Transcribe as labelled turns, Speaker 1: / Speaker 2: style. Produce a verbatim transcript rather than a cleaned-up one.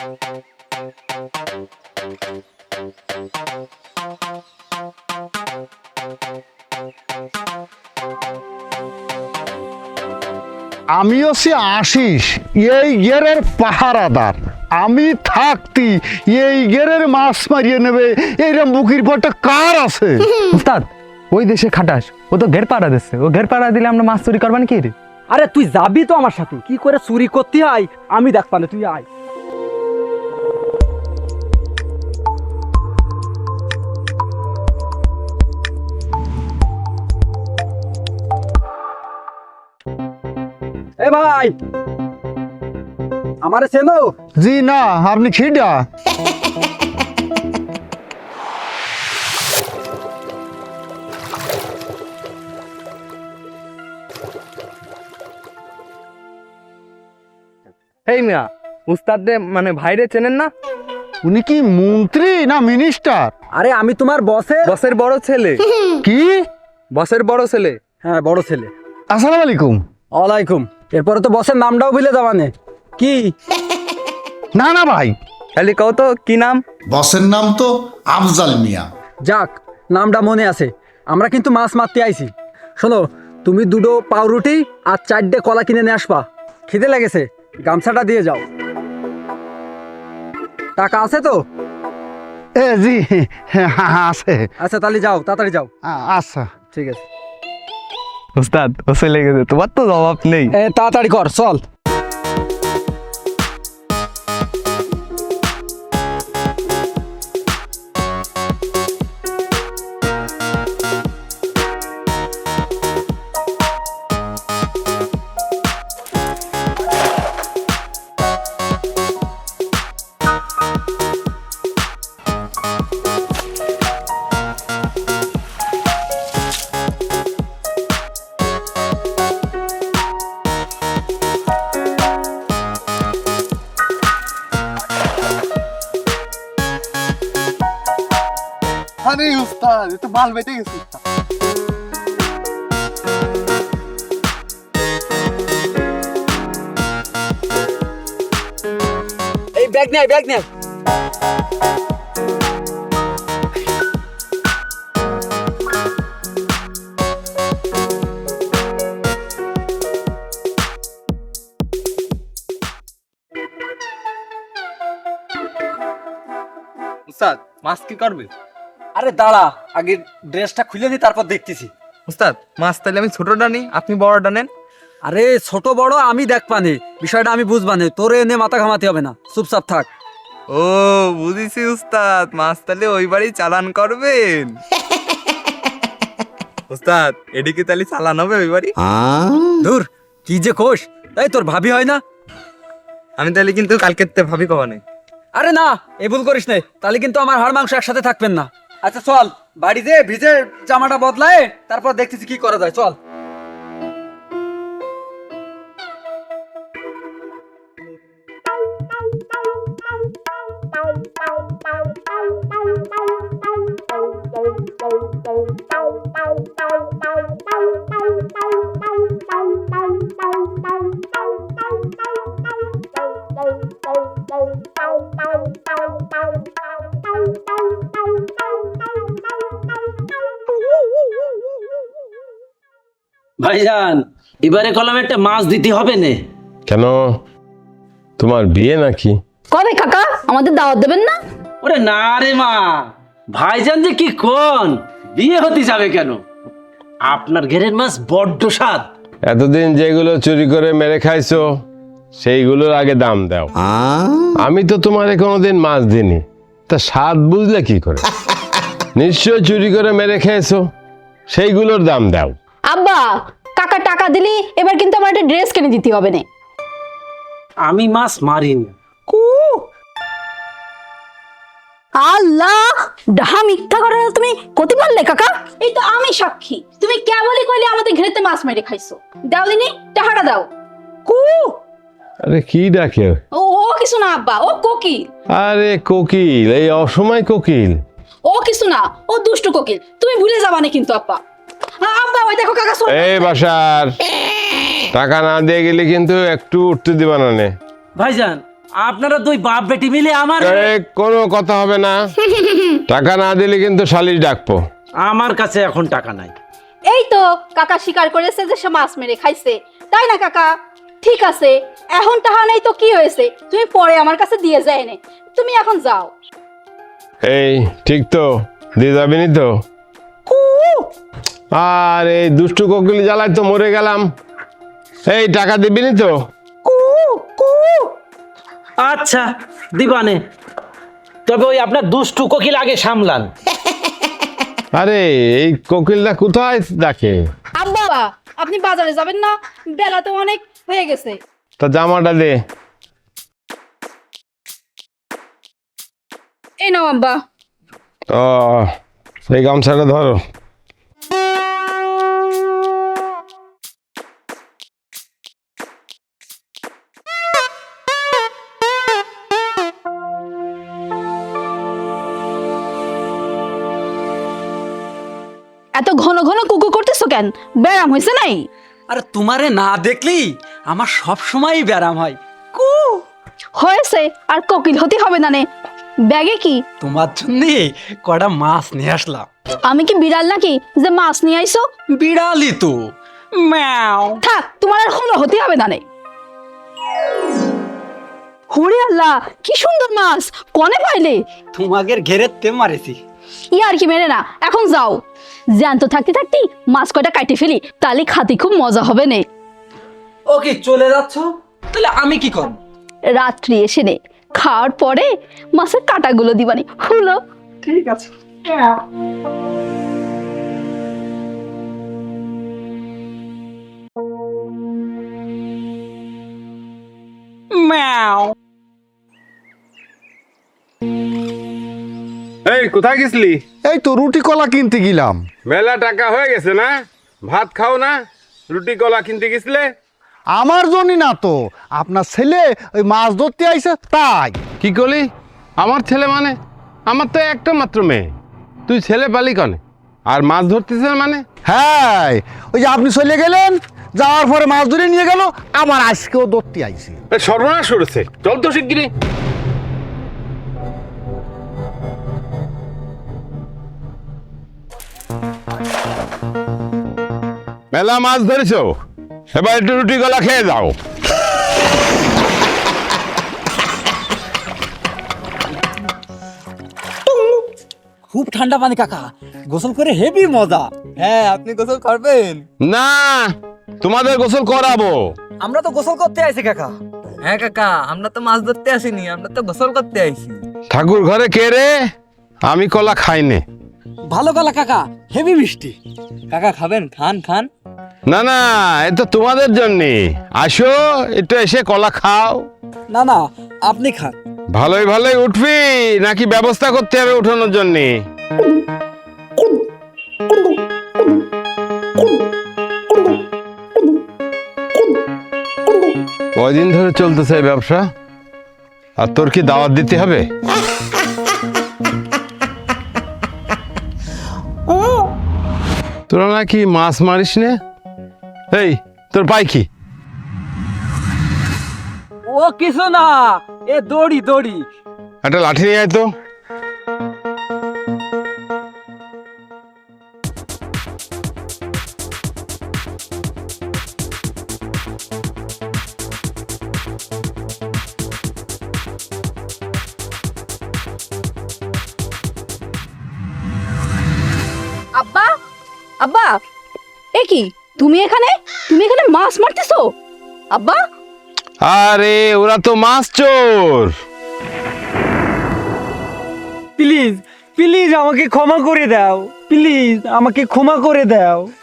Speaker 1: আমি হচ্ছি আশিস, এই গেরের পাহারাদার। আমি থাকতি এই গেরের মাছ মারিয়ে নেবে এইরকম বুকির পরটা কার আছে?
Speaker 2: উস্তাদ, ওই দেশে খাটাস, ও তো ঘের পাড়া দিচ্ছে। ও ঘের পাড়া দিলে আমরা মাছ চুরি করবান কি রে?
Speaker 3: আরে তুই যাবি তো আমার সাথে, কি করে চুরি করতে হয় আমি দেখবা না, তুই আয়। এ ভাই, আমারে চেনো?
Speaker 1: জি না, আপনি খিডা?
Speaker 2: এই মিয়া, উস্তাদ মানে ভাইরে চেনেন না?
Speaker 1: উনি কি মন্ত্রী না মিনিস্টার?
Speaker 3: আরে আমি তোমার বসের
Speaker 2: বসের বড় ছেলে।
Speaker 1: কি?
Speaker 2: বসের বড় ছেলে।
Speaker 3: হ্যাঁ, বড় ছেলে।
Speaker 1: আসসালামু আলাইকুম।
Speaker 3: ওয়ালাইকুম। এরপরে তো বসের নামটাও ভুলে যাবানে কি?
Speaker 1: না না ভাই,
Speaker 2: খালি কও তো কি নাম?
Speaker 4: বসের নাম তো আফজাল মিয়া।
Speaker 3: যাক, নামটা মনে আছে। আমরা কিন্তু মাছ মারতে আইছি। শোনো, তুমি দুটো পাউরুটি আর চারটে কলা কিনে নিয়ে আসবা। খিদে লেগেছে, গামছাটা দিয়ে যাও। টাকা আছে তো?
Speaker 1: এ জি হ্যাঁ আছে।
Speaker 3: আচ্ছা তাহলে যাও, তাড়াতাড়ি যাও।
Speaker 1: আ- আচ্ছা
Speaker 3: ঠিক আছে।
Speaker 2: উস্তাদ, ও চলে গেছে, তোমার তো জবাব নেই।
Speaker 3: এ তাড়াতাড়ি কর, চল।
Speaker 1: আরে উস্তাদ, এ তো মাল বেঁচে গেছে।
Speaker 3: এই ব্যাগ নে, ব্যাগ নে।
Speaker 2: উস্তাদ, মাছ কি করবে?
Speaker 3: আরে দাঁড়া, আগে ড্রেসটা খুলে নি, তারপর দেখতেছি।
Speaker 2: উস্তাদ, মাছ তাহলে আমি ছোটটা নিই, আপনি বড়টা নেন।
Speaker 3: আরে ছোট বড় আমি দেখবানে, বিষয়টা আমি বুঝবানে, তোরে এনে মাথা ঘামাতে হবে না, চুপচাপ থাক।
Speaker 2: ও বুঝেছি উস্তাদ, মাছ তাহলে ওই বাড়ি চালান করবেন। উস্তাদ, এদিকে তাহলে চালান হবে ওই বাড়ি?
Speaker 3: দূর, কি যে কোষ, তাই তোর ভাবি হয় না?
Speaker 2: আমি তাহলে কিন্তু কালকে ভাবি কবানে।
Speaker 3: আরে না, এ ভুল করিস না, তাহলে কিন্তু আমার হাড় মাংস একসাথে থাকবেন না। আচ্ছা চল, বাড়ি যে ভিজে জামাটা বদলায়, তারপর দেখতেছি কি করা যায়, চল।
Speaker 5: ভাইজান, এবারে কলমে একটা মাছ দিতে হবে না?
Speaker 6: কেন, তোমার বিয়ে নাকি?
Speaker 7: কবে কাকা, আমাদের দাওয়াত দেবেন না?
Speaker 5: ওরে না রে মা, ভাইজান যে কি কোন, বিয়ে হতে যাবে কেন? আপনার ঘেরের মাছ বড্ড স্বাদ।
Speaker 6: এতদিন যেগুলো চুরি করে মেরে খাইছো সেইগুলোর আগে দাম দাও। আমি তো তোমারে কোনোদিন মাছ দিইনি, তা স্বাদ বুঝলে কি করে? নিশ্চয় চুরি করে মেরে খেয়েছো, সেইগুলোর দাম দাও।
Speaker 7: আব্বা, কাকা টাকা দিলি এবার কিন্তু আমার একটা ড্রেস কিনে দিতে হবে না।
Speaker 5: আমি মাছ মারিনি।
Speaker 7: আল্লাহ, ডাহা মিথ্যা করে তুমি কতি পারলে কাকা? এই তো আমি সাক্ষী, তুমি কেবলই কইলে আমাদের ঘরেতে মাছ মেরে খাইছো। দাও দিনি, টাকাটা দাও। কু
Speaker 6: আরে কি ডাকে?
Speaker 7: ও ও কিছু না আব্বা, ও কোকিল।
Speaker 6: আরে কোকিল, এই অসময় কোকিল?
Speaker 7: ও কিছু না, ও দুষ্টু কোকিল, তুমি ভুলে যাবা না কিন্তু আব্বা। আব্বা ওই দেখো কাকা চলে।
Speaker 6: এই বাসার টাকা না দিয়ে গেলে কিন্তু একটু উঠতে দিবা না নে।
Speaker 5: ভাইজান, আপনারা দুই বাপ বেটি মিলে আমার
Speaker 6: এ, কোনো কথা হবে না, টাকা না দিলে কিন্তু শালিশ ডাকবো।
Speaker 5: আমার কাছে এখন টাকা নাই।
Speaker 7: এই তো কাকা স্বীকার করেছে যে সে মাছ মেরে খাইছে, তাই না কাকা? ঠিক আছে, এখন টাকা নেই তো কি হয়েছে, তুমি পরে আমার কাছে দিয়ে যায় নে, তুমি এখন যাও।
Speaker 6: এই ঠিক তো, দিয়ে যাবি নি তো? আর এই দুষ্টু কোকিল জ্বালায় তো মরে গেলাম। এই টাকা দিবি নি তো?
Speaker 5: আচ্ছা দিবানে, তবে ওই আপনার দুষ্টু কোকিল আগে সামলান।
Speaker 6: আরে এই কোকিলটা কোথায় ডাকে?
Speaker 7: আব্বা আপনি বাজারে যাবেন না? বেলা তো অনেক হয়ে গেছে।
Speaker 6: তা জামাটা দে।
Speaker 7: এই নাও আব্বা।
Speaker 6: ও এই গামছাটা ধরো।
Speaker 7: এত ঘন ঘন কুকু করতেছো কেন? ব্যায়াম হয়েছে নাই?
Speaker 3: আর তোমারে না দেখলি আমার সব সময় ব্যারাম হয়। কু
Speaker 7: হয়েছে, আর কোকিল হতে হবে না নে। ব্যাগে কি?
Speaker 3: তোমার জন্য কটা মাছ নিয়ে আসলাম।
Speaker 7: আমি কি বিড়াল নাকি যে মাছ নিয়ে আইছো?
Speaker 3: বিড়ালি তো ম্যাও।
Speaker 7: থাক, তোমার আর হলো হতে হবে না নে। হরে আল্লাহ, কি সুন্দর মাছ, কনে পাইলে?
Speaker 3: তোমাদের ঘেরে তে মারেছি।
Speaker 7: ই আর কি মেরে না, এখন যাও। জ্যান্ত থাকতে থাকতে মাছ কয়টা কাটি ফেলি, তাহলে খাতে খুব মজা হবে নে।
Speaker 3: ওকে চলে যাচ্ছ, তাহলে আমি কি করব?
Speaker 7: রাত্রি এসে নে, খাওয়ার পরে মাছের কাটাগুলো দিবানি, হলো?
Speaker 3: ঠিক আছে। ম্যাও।
Speaker 6: এই কোথায় গেছিলি?
Speaker 1: এই তো রুটি কলা কিনতে গেলাম।
Speaker 6: মেলা টাকা হয়ে গেছে না, ভাত খাও না, রুটি কলা কিনতে গেছিলে?
Speaker 1: আমার জন্যই না তো, আপনার ছেলে ওই মাছ ধরতে আইছে তাই।
Speaker 6: কি করলি? আমার ছেলে মানে? আমার তো একটা মাত্র মেয়ে, তুই ছেলে পালি কনে? আর মাছ ধরতেছে মানে?
Speaker 1: হ্যাঁ, ওই যে আপনি চলে গেলেন, যাওয়ার পরে মাছ ধরে নিয়ে গেল, আমার আজকেও ধরতে আইছে।
Speaker 6: এ সর্বনাশ করেছে, চল তো শিগগিরি। মেলা মাছ ধরেছো, এবার একটু রুটি গলা খেয়ে যাও।
Speaker 3: খুব ঠান্ডা পানি কাকা, গোসল করে হেভি মজা।
Speaker 2: হ্যাঁ, আপনি গোসল করবেন?
Speaker 6: না, তোমাদের গোসল করাবো।
Speaker 3: আমরা তো গোসল করতে আইছি কাকা।
Speaker 2: হ্যাঁ কাকা, আমরা তো মাছ ধরতে আসিনি, আমরা তো গোসল করতে আইছি।
Speaker 6: ঠাকুর ঘরে কে রে? আমি কলা খাইনে।
Speaker 3: ভালো গলা কাকা, হেভি মিষ্টি।
Speaker 2: কাকা খাবেন? খান খান।
Speaker 6: না না, এ তো তোমাদের জন্যে। আসো একটু এসে কলা খাও।
Speaker 3: না না, আপনি খান।
Speaker 6: ভালোই ভালোই উঠবি নাকি ব্যবস্থা করতে হবে উঠানোর জন্য? কয়দিন ধরে চলতেছে এই ব্যবসা, আর তোর কি দাওয়াত দিতে হবে? তোরা নাকি মাছ মারিস নে? এই তোর পাই কি?
Speaker 3: ও কিছু না, এ দড়ি দড়ি।
Speaker 6: একটা লাঠি নিয়ে আয় তো।
Speaker 7: আব্বা, আব্বা, এ কি তুমি এখানে? তুমি এখানে মাছ মারতেছো আব্বা?
Speaker 6: আরে ওরা তো মাছ চোর।
Speaker 3: প্লিজ প্লিজ আমাকে ক্ষমা করে দাও, প্লিজ আমাকে ক্ষমা করে দাও।